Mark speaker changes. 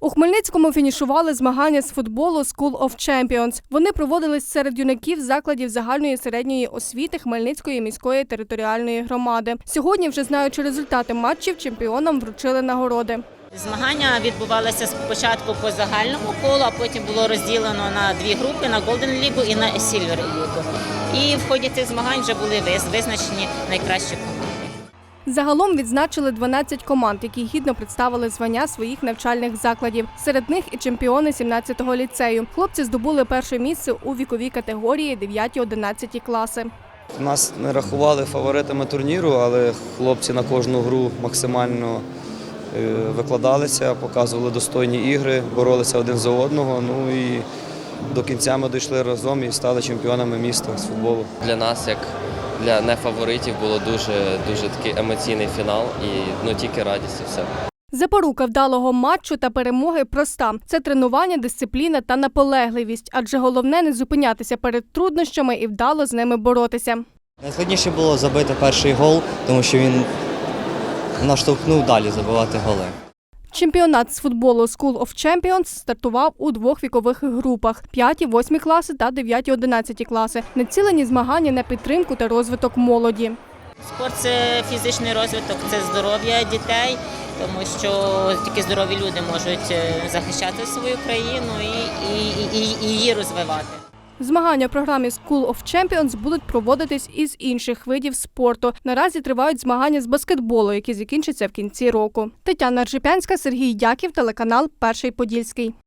Speaker 1: У Хмельницькому фінішували змагання з футболу School of Champions. Вони проводились серед юнаків закладів загальної і середньої освіти Хмельницької міської територіальної громади. Сьогодні, вже знаючи результати матчів, чемпіонам вручили нагороди.
Speaker 2: Змагання відбувалися спочатку по загальному колу, а потім було розділено на дві групи – на Golden Лігу і на Silver Лігу. І в ході цих змагань вже були визначені найкращі команди.
Speaker 1: Загалом відзначили 12 команд, які гідно представили звання своїх навчальних закладів. Серед них і чемпіони 17-го ліцею. Хлопці здобули перше місце у віковій категорії 9-11 класи.
Speaker 3: Нас не рахували фаворитами турніру, але хлопці на кожну гру максимально викладалися, показували достойні ігри, боролися один за одного. Ну і до кінця ми дійшли разом і стали чемпіонами міста з футболу.
Speaker 4: Для нас, як для нефаворитів, було дуже такий емоційний фінал і тільки радість і все.
Speaker 1: Запорука вдалого матчу та перемоги проста – це тренування, дисципліна та наполегливість. Адже головне – не зупинятися перед труднощами і вдало з ними боротися.
Speaker 5: Найскладніше було забити перший гол, тому що він наштовхнув далі забивати голи.
Speaker 1: Чемпіонат з футболу School of Champions стартував у двох вікових групах – 5-8 класи та 9-11 класи. Націлені змагання на підтримку та розвиток молоді.
Speaker 2: Спорт – це фізичний розвиток, це здоров'я дітей, тому що тільки здорові люди можуть захищати свою країну і її розвивати.
Speaker 1: Змагання в програмі School of Champions будуть проводитись із інших видів спорту. Наразі тривають змагання з баскетболу, які закінчаться в кінці року. Тетяна Ржепянська, Сергій Дяків, телеканал «Перший Подільський».